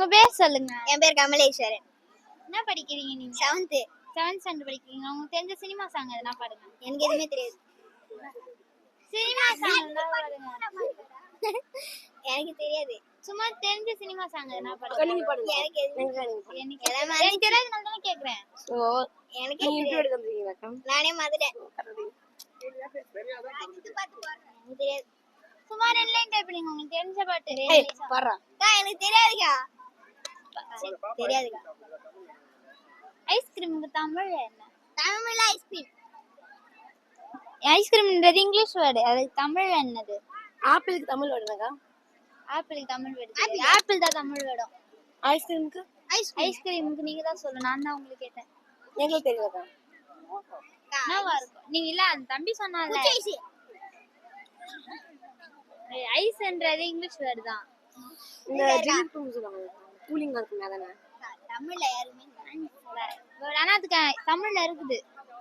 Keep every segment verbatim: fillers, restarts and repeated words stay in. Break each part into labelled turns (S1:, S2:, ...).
S1: உங்க பேர் சொல்லுங்க.
S2: என் பேர் கமலேஸ்வரன்.
S1: என்ன படிக்கிறீங்க நீங்க?
S2: செவன்த்
S1: செவன்த் ஸ்டாண்டர்ட் படிக்கிறீங்க. உங்களுக்கு தெரிஞ்ச சினிமா சாங் எதனா பாடுங்க.
S2: எனக்கு எதுவுமே தெரியாது.
S1: சினிமா சாங் எதனா பாடுங்க.
S2: எனக்கு தெரியாது.
S1: சும்மா தெரிஞ்ச சினிமா சாங் எதனா பாடுங்க.
S2: நீங்க பாடுங்க. எனக்கு எதுவுமே
S1: எனக்கு எனக்கு தெரியாதனால தான கேக்குறேன்.
S2: சோ எனக்கு இன்ட்ரோ எடுக்க முடியலக்கா. நானே மறந்துட்டேன். எனக்கு தெரியாது.
S1: சும்மா ரெண்டு லைன் டைப் பண்ணுங்க. உங்களுக்கு தெரிஞ்ச பாட்டு.
S2: ஏய் பாடுறா. அக்கா எனக்கு தெரியாதுக்கா. தெரியாதுக்கா.
S1: ஐஸ்கிரீமுக்கு தமிழ் என்ன?
S2: தமிழ்ல ஐஸ்கிரீம்.
S1: ஐஸ்கிரீம்ன்றது English word. அதுக்கு தமிழ் என்னது?
S2: ஆப்பிளுக்கு தமிழ் வேர்டுனாக்கா?
S1: ஆப்பிளுக்கு தமிழ் வேர்டு. ஆப்பிள் தான் தமிழ் வேர்டு.
S2: ஐஸ்கிரீமுக்கு
S1: ஐஸ்கிரீமுக்கு நீங்க தான் சொல்லணும். நான் தான் உங்களுக்கு கேட்டேன்.
S2: எனக்கு தெரியாதா?
S1: என்னவா இருக்கும்? நீங்க இல்ல அந்த தம்பி சொன்னால ஐஸ்ன்றது இங்கிலீஷ் வேர்டு தான்.
S2: இந்த ஜிலிபி சொல்லுவாங்க. கூலிங்கா இருக்கும் அதானே? தமிழ்ல யாருமே
S1: ஆனா அதுக்கு தமிழ்ல இருக்குது.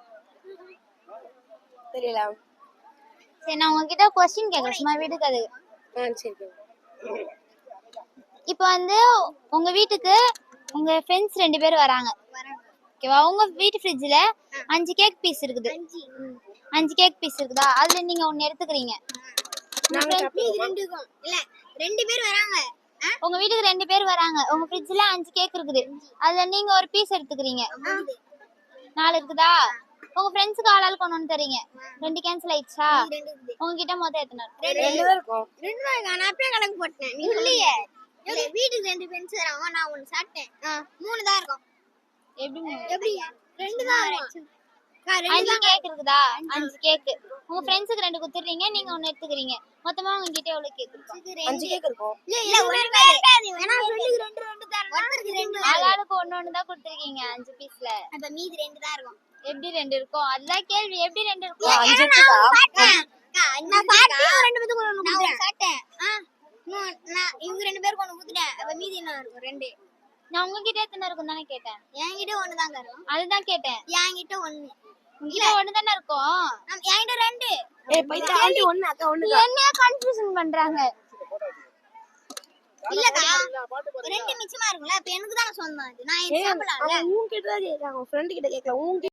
S2: தெரியல.
S1: சரி நான் உங்ககிட்ட क्वेश्चन கேக்குறேன். சும்மா வீட்டுக்கு அது.
S2: ஆ சரி.
S1: இப்போ வந்து உங்க வீட்டுக்கு உங்க ஃப்ரெண்ட்ஸ் ரெண்டு பேர் வராங்க. ஓகேவா? உங்க வீட்டு ஃப்ரிட்ஜ்ல அஞ்சு கேக் பீஸ் இருக்குது. அஞ்சு கேக் பீஸ் இருக்குதா? அதுல நீங்க ஒன்னு எடுத்துக்கிறீங்க.
S2: நாங்க ரெண்டுக்கும் இல்ல ரெண்டு பேர் வராங்க.
S1: உங்க வீட்டுக்கு ரெண்டு பேர் வராங்க. உங்க ஃப்ரிட்ஜ்ல அஞ்சு கேக் இருக்குது. அதுல நீங்க ஒரு பீஸ் எடுத்துக்கிறீங்க. நாலு இருக்குதா? உங்க ஃப்ரெண்ட்ஸ்க்கு ஆளாளுக்கு ஒன்னு தரீங்க. ரெண்டு கேன்சல் ஆயிடுச்சா? உங்ககிட்ட மொத்தம் எத்தனை இருக்கு?
S2: ரெண்டு தான் இருக்கும். ரெண்டு தான் இருக்கு. நான் அப்பவே கணக்கு போட்டேன். நீ இல்லையே. வீட்டுக்கு ரெண்டு ஃப்ரெண்ட்ஸ் வராங்க. நான் ஒன்னு சாப்பிட்டேன். மூணு தான் இருக்கும்.
S1: எப்படி
S2: எப்படி ரெண்டு தான் இருக்கும்.
S1: அஞ்சு கேக் இருக்குதா? அஞ்சு கேக். உங்க ஃப்ரெண்ட்ஸ்க்கு ரெண்டு குத்துறீங்க. நீங்க ஒன்னு எடுத்துக்கிறீங்க. மொத்தமா உங்ககிட்ட எவ்வளவு கேக் இருக்கு?
S2: அஞ்சு கேக் இருக்கும். இல்ல ஒரு இருக்காது. வேணா சொல்லிக்கு ரெண்டு ரெண்டு தரணும். ஒருத்தருக்கு ரெண்டு.
S1: ஆளாளுக்கு ஒன்னு ஒன்னு தான் கொடுத்திருக்கீங்க அஞ்சு பீஸ்ல.
S2: அப்ப மீதி ரெண்டு தான் இருக்கும்.
S1: எப்படி ரெண்டு இருக்கும்? அதுதான் கேள்வி. எப்படி ரெண்டு இருக்கும்?
S2: அஞ்சு இருக்குடா. நான் சாப்பிட்டேன். ரெண்டு பேத்துக்கு ஒன்னு குடுத்தேன். சாப்பிட்டேன். நான் இவங்க ரெண்டு பேருக்கு ஒன்னு குடுத்தேன். அப்ப மீதி என்ன இருக்கும்? ரெண்டு.
S1: நான் உங்ககிட்ட எத்தனை இருக்கும் தானே கேட்டேன்.
S2: என்கிட்ட ஒன்னு தான் இருக்கும்.
S1: அதுதான் கேட்டேன்.
S2: என்கிட்ட ஒன்னு.
S1: உங்ககிட்ட ஒன்னு தானே இருக்கும்.
S2: என்கிட்ட ரெண்டு. ஏய் பைத்தா ஆண்டி ஒன்னு அக்கா ஒன்னு.
S1: என்ன கன்ஃபியூஷன் பண்றாங்க?
S2: இல்லக்கா ரெண்டு மிச்சமா இருக்கும்ல. அப்ப எனக்கு தான சொந்தம் இது. நான் சாப்பிடலாம்ல. உன் கிட்ட தான் கேக்குறாங்க. ஃப்ரெண்ட் கிட்ட கேக்கல. உன்